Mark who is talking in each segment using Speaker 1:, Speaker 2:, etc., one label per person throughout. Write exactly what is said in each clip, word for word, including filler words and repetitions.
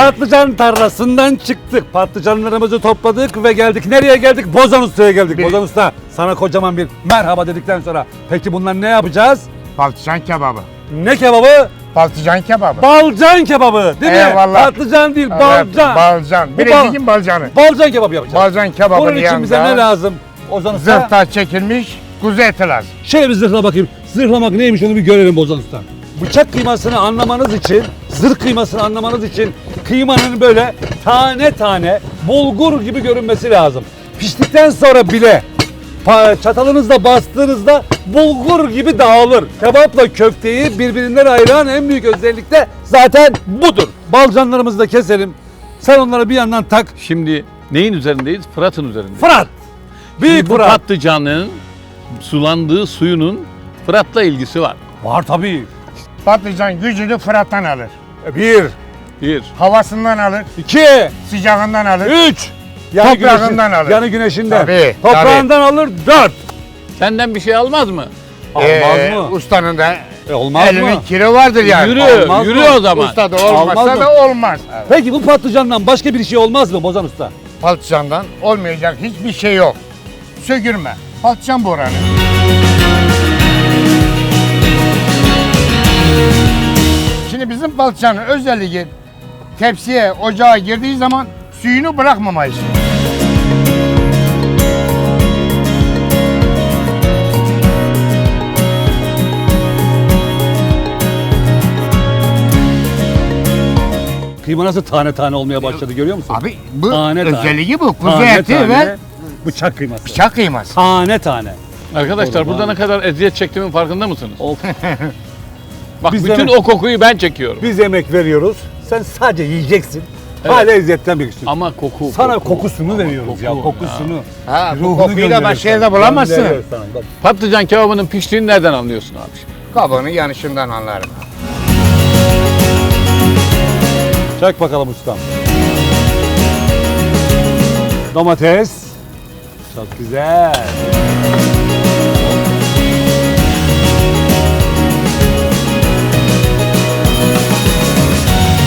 Speaker 1: Patlıcan tarlasından çıktık. Patlıcanlarımızı topladık ve geldik. Nereye geldik? Bozan Usta'ya geldik.
Speaker 2: Bir-
Speaker 1: Bozan Usta sana kocaman bir merhaba dedikten sonra peki bunlar ne yapacağız?
Speaker 2: Patlıcan kebabı.
Speaker 1: Ne kebabı?
Speaker 2: Patlıcan kebabı.
Speaker 1: Balcan kebabı değil mi?
Speaker 2: Eyvallah.
Speaker 1: Patlıcan değil,
Speaker 2: Evet,
Speaker 1: balcan.
Speaker 2: balcan.
Speaker 1: Bu
Speaker 2: Bilecik'in balcanı.
Speaker 1: Balcan kebabı yapacağız.
Speaker 2: Balcan kebabının
Speaker 1: Bunun için bize
Speaker 2: yanında
Speaker 1: ne lazım? Ozan Usta.
Speaker 2: zırhta çekilmiş kuzu eti lazım.
Speaker 1: Şöyle bir zırhla bakayım. Zırhlamak neymiş onu bir görelim Bozan Usta. Bıçak kıymasını anlamanız için, zırh kıymasını anlamanız için kıymanın böyle tane tane bulgur gibi görünmesi lazım. Piştikten sonra bile pa- çatalınızla bastığınızda bulgur gibi dağılır. Kebapla köfteyi birbirinden ayıran en büyük özellik de zaten budur. Balcanlarımızı da keselim. Sen onları bir yandan tak.
Speaker 3: Şimdi neyin üzerindeyiz? Fırat'ın üzerindeyiz.
Speaker 1: Fırat! Büyük
Speaker 3: Şimdi bu
Speaker 1: Fırat.
Speaker 3: patlıcanın sulandığı suyunun Fırat'la ilgisi var.
Speaker 1: Var tabii.
Speaker 2: Patlıcan gücünü Fırat'tan alır.
Speaker 1: Bir,
Speaker 3: Bir.
Speaker 2: Havasından alır,
Speaker 1: iki,
Speaker 2: sıcağından alır.
Speaker 1: üç. Yani
Speaker 2: Toprağından alır.
Speaker 1: Yani güneşinden.
Speaker 2: Tabii,
Speaker 1: Toprağından alır dört.
Speaker 3: Senden bir şey almaz mı?
Speaker 1: Olmaz
Speaker 2: Ee,
Speaker 1: mı?
Speaker 2: Ustanın da
Speaker 1: E, olmaz
Speaker 2: elinin
Speaker 1: mı?
Speaker 2: kiri vardır yani.
Speaker 3: Yürü,
Speaker 1: Olmaz
Speaker 3: yürü
Speaker 1: mı?
Speaker 3: o zaman.
Speaker 2: Usta da
Speaker 1: Olmaz
Speaker 2: olmazsa
Speaker 1: mı?
Speaker 2: da olmaz.
Speaker 1: Peki bu patlıcandan başka bir şey olmaz mı Bozan Usta?
Speaker 2: Patlıcandan olmayacak hiçbir şey yok. Sökürme. Patlıcan boranı. Şimdi bizim patlıcanın özelliği tepsiye, ocağa girdiği zaman suyunu bırakmamayız.
Speaker 1: Kıyma nasıl tane tane olmaya başladı görüyor musun?
Speaker 2: Abi bu
Speaker 1: Tane tane.
Speaker 2: özelliği bu. Kuzu
Speaker 1: Tane
Speaker 2: eti
Speaker 1: tane
Speaker 2: ve
Speaker 1: bıçak kıyması.
Speaker 2: bıçak kıyması.
Speaker 1: Tane tane.
Speaker 3: Arkadaşlar
Speaker 1: Doğru,
Speaker 3: burada
Speaker 1: ha.
Speaker 3: ne kadar eziyet çektiğimin farkında mısınız?
Speaker 1: Of.
Speaker 3: Bak
Speaker 1: Biz
Speaker 3: bütün
Speaker 1: demek-
Speaker 3: o kokuyu ben çekiyorum.
Speaker 1: Biz yemek veriyoruz. Sen sadece yiyeceksin.
Speaker 3: Evet.
Speaker 1: Hala izzetten bir
Speaker 3: Ama koku.
Speaker 1: Sana
Speaker 3: koku.
Speaker 1: kokusunu
Speaker 3: Ama
Speaker 1: veriyoruz ya
Speaker 3: koku
Speaker 1: kokusunu.
Speaker 2: Ha, bu
Speaker 1: Ruhunu
Speaker 2: kokuyu da
Speaker 1: gönderiyoruz
Speaker 2: başka yerde
Speaker 1: sana.
Speaker 2: bulamazsın.
Speaker 1: Gönderiyoruz sana. Bak.
Speaker 3: Patlıcan kebabının piştiğini nereden anlıyorsun abi?
Speaker 2: Kabuğunu yanışından anlarım.
Speaker 1: Çek bakalım ustam. Domates. Çok güzel.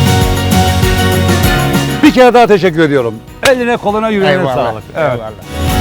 Speaker 1: Bir kere daha teşekkür ediyorum. Eline koluna yüreğine
Speaker 2: Eyvallah.
Speaker 1: sağlık. Evet.
Speaker 2: Eyvallah.